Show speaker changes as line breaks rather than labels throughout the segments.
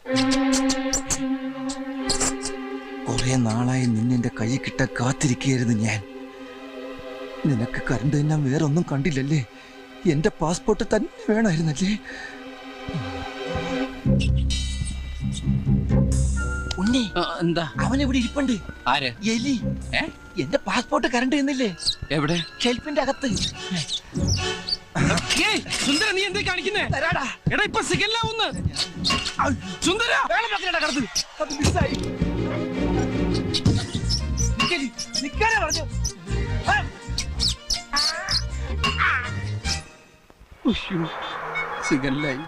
കുറെ നാളായി നിന്നെ കൈ കിട്ട കാത്തിരിക്കുകയായിരുന്നു ഞാൻ. നിനക്ക് കറണ്ട് തന്നെ വേറൊന്നും കണ്ടില്ലല്ലേ? എന്റെ പാസ്പോർട്ട് തന്നെ വേണമായിരുന്നല്ലേ? ഉണ്ണി,
എന്താ
അവനെവിടെ ഇരിപ്പുണ്ട്?
ആര്?
എലി. എന്റെ പാസ്പോർട്ട് കറണ്ട് ചെയ്യുന്നില്ലേ?
എവിടെ?
ഷെൽഫിന്റെ അകത്ത്.
സുന്ദര, നീ എന്തേ കാണിക്കുന്നേ?
തരാടാ.
എടാ, ഇപ്പൊ സിഗല്ലാവുന്ന്. സുന്ദര,
പറഞ്ഞു.
സിഗല്ലായി.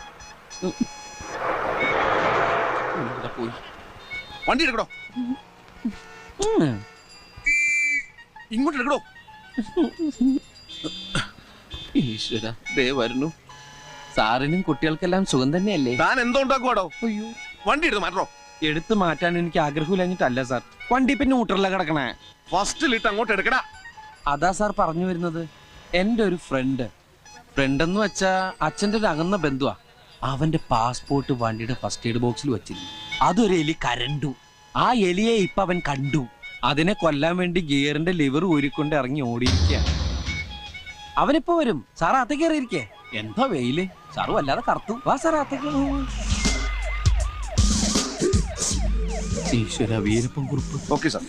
പോയി.
വണ്ടി എടുക്കടോ, ഇങ്ങോട്ട് എടുക്കടോ.
ഈശ്വര, ദേ വരുന്നു. സാറിനും കുട്ടികൾക്കെല്ലാം സുഖം തന്നെയല്ലേ?
താൻ എന്തോ ഉണ്ടാക്കുവാടോ?
അയ്യോ,
വണ്ടി എടുത്ത് മാറ്റോ.
എടുത്തു മാറ്റാൻ എനിക്ക് ആഗ്രഹമില്ലഞ്ഞിട്ടല്ല സാർ. വണ്ടി പിന്നെ ഊട്ടറില കിടക്കണേ.
ഫസ്റ്റിലിട്ട് അങ്ങോട്ട് എടുക്കടാ.
അതാ സാർ പറഞ്ഞു വരുന്നത്. എന്റെ ഒരു ഫ്രണ്ട് എന്ന് വെച്ചാ അച്ഛന്റെ ഒരു അകന്ന ബന്ധുവാ. അവന്റെ പാസ്പോർട്ട് വണ്ടിയുടെ ഫസ്റ്റ് എയ്ഡ് ബോക്സിൽ വെച്ചിരുന്നു. അതൊരു എലി കരണ്ടു. ആ എലിയെ ഇപ്പൊ അവൻ കണ്ടു. അതിനെ കൊല്ലാൻ വേണ്ടി ഗിയറിന്റെ ലിവർ ഊരിക്കൊണ്ട് ഇറങ്ങി ഓടിയിരിക്കുകയാണ്. അവനിപ്പോ വരും. സാർ അകത്തേക്ക് കയറിയിരിക്കേ. എന്താ വെയില്. സാറ് വല്ലാതെ കറുത്തു. വാ സാർ അകത്തേക്ക്. ഈശ്വര, വീരപ്പൻ കുറിപ്പ്.
Okay sir.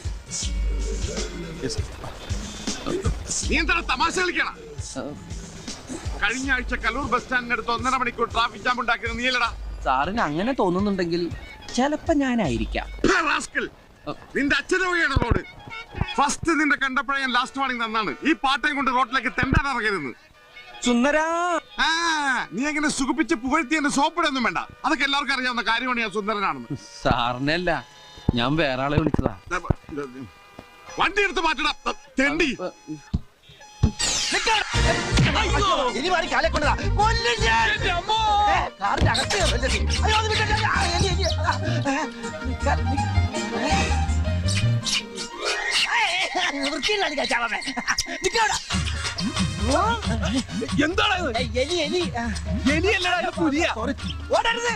നീ എന്താണ് തമാശ കളിക്കണം? കഴിഞ്ഞ ആഴ്ച കലൂർ ബസ് സ്റ്റാൻഡിനടുത്ത് 1.5 മണിക്കൂർ ട്രാഫിക് ജാം ഉണ്ടാക്കിയത് നീയല്ലടാ?
സാറിന് അങ്ങനെ തോന്നുന്നുണ്ടെങ്കിൽ ചിലപ്പോ ഞാനായിരിക്കാം.
നിന്റെ അച്ഛനെ വഴിയാണ് റോഡ്. ഫസ്റ്റ് നിന്റെ കണ്ടപ്പോഴേ ഞാൻ ലാസ്റ്റ് വാണിംഗ് തന്നാണ്. ഈ പാട്ടയും കൊണ്ട് റോഡിലേക്ക് തെണ്ടാൻ ഇറങ്ങരുതെന്ന്.
സുന്ദരാ,
നീ എങ്ങനെ സുഖിപ്പിച്ച് പുകഴ്ത്തി എന്നെ സോപ്പിടൊന്നും വേണ്ട. അതൊക്കെ എല്ലാവർക്കും അറിയാവുന്ന കാര്യമാണ് ഞാൻ സുന്ദരനാണെന്ന്.
സാറിനല്ല, ഞാൻ വേറെ ആളെ വിളിച്ചതാ.
വണ്ടി എടുത്ത് മാറ്റടാ തെണ്ടി.
ഇനി മാറി കാലെ കൊണ്ടതാ. കൊല്ലും ഞാൻ. കാറിന്റെ അകത്ത് കയറല്ലേ നീ? അയ്യോ, അത് വിട്ടേ. എലി, എലി. വൃത്തിയിലാണ് കഴിച്ചാവേ. നിക്കവിടെ.
എന്താണ്
എലി, എലി.
എലിയല്ലടാ, പുലിയ.
ഓടരുത്.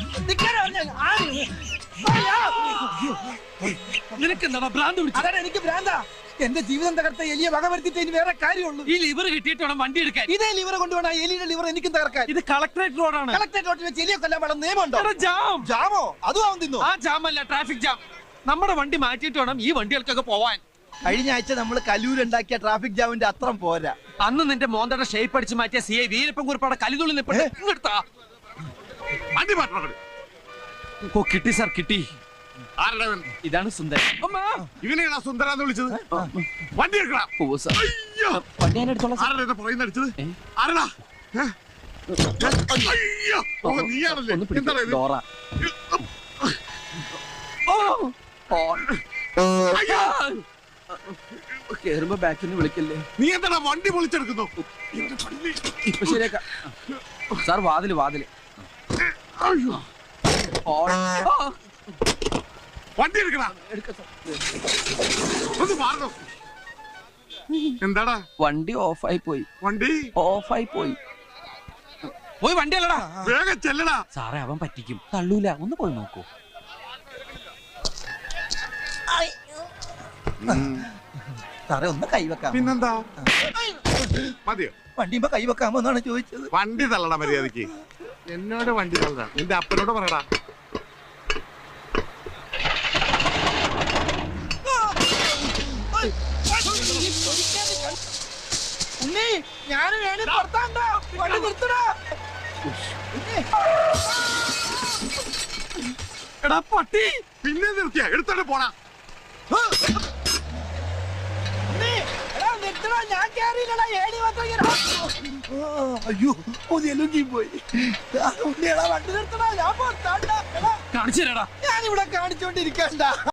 നിനക്ക് എന്താ ഭ്രാന്ത് പിടിച്ചത്?
അതാണ് എനിക്ക് ഭ്രാന്താ. എന്റെ ജീവിതം തകർത്ത എലിയെ വക വരുത്തിട്ട് ഇനി വേറെ കാര്യമുള്ളൂ.
ഈ ലിവർ കിട്ടിയിട്ട് വേണം വണ്ടി എടുക്കാൻ.
ഇതേ ലിവർ കൊണ്ടുവേണം എലിയുടെ ലിവർ എനിക്കും തകർക്കാൻ.
ഇത് കളക്ടറേറ്റ് റോഡാണ്.
കളക്ടറേറ്റ് റോഡിൽ വെച്ച് എലിയെ കൊല്ലാൻ വേണം നിയമമുണ്ടോ?
ജാം.
ജാമോ? അതും അവൻ തിന്നു.
ആ ജാം അല്ല, ട്രാഫിക് ജാം. നമ്മുടെ വണ്ടി മാറ്റിയിട്ട് വേണം ഈ വണ്ടികൾക്കൊക്കെ പോവാൻ.
കഴിഞ്ഞ ആഴ്ച നമ്മൾ കലൂരുണ്ടാക്കിയ ട്രാഫിക് ജാമിന്റെ അത്രം പോരാ.
അന്ന് നിന്റെ മോന്തയുടെ ഷേപ്പ് അടിച്ച് മാറ്റിയ CI വീരപ്പൻ കുറിപ്പാടെ കലിതുള്ളി നിൽപ്പുണ്ട്. ഇങ്ങെടുത്താ
വണ്ടി മാറ്റണം.
ഓ, കിട്ടി സാർ, കിട്ടി.
ആരുടെ?
ഇതാണ് സുന്ദരൻ.
ഇവനെയാണോ സുന്ദരാന്ന് വിളിച്ചത്? വണ്ടി എടുക്കണം.
ഓ സാർ, വണ്ടി ഞാൻ എടുത്തോളാം.
ആരുടെ പുറകിൽ അടിച്ചത്? ആരടാ? അയ്യോ, നീയാണല്ലേ? എന്താണ് ഇത്?
ഡോറ. കേറുമ്പോ ബാക്കിൽ നിന്ന് വിളിക്കല്ലേ.
നീ എന്താ വണ്ടി പൊളിച്ചെടുക്കുന്നു?
ഇപ്പൊ ശരിയാക്കാം സാർ. വാതില് വാതില്.
വണ്ടി എടുക്കണ. ഒന്ന് മാറണം. എന്താടാ?
വണ്ടി ഓഫായി പോയി.
വണ്ടി
ഓഫായി പോയി. പോയി വണ്ടി അല്ലടാ,
വേഗം ചെല്ലടാ.
സാറേ, അവൻ പറ്റിക്കും. തള്ളൂല. ഒന്ന് പോയി നോക്കൂ.
സാറേ, ഒന്ന് കൈവെക്കാം.
പിന്നെന്താ? മതിയോ?
വണ്ടിയുമ്പോ കൈവെക്കാമോ എന്നാണ് ചോദിച്ചത്.
വണ്ടി തള്ളടാ മര്യാദക്ക്. എന്നോട് വണ്ടി തള്ളടാ. നിന്റെ അപ്പനോട് പറയടാ.
ഉണ്ണി, ഞാനും വേണി പുറത്താണ്ടോ? വണ്ടി നിർത്തടാ.
എടാ പട്ടി, പിന്നെ നിർത്തിയാ എടുത്തോണ്ട് പോണാ.
അയ്യോ, ഒന്നെലുങ്കി പോയി. ഉണ്ണിയടാ, വണ്ടി നിർത്തടാ. ഞാൻ പുറത്താണ്ട.
കാണിച്ചു തരാടാ.
ഞാനിവിടെ കാണിച്ചോണ്ടിരിക്കണ്ട.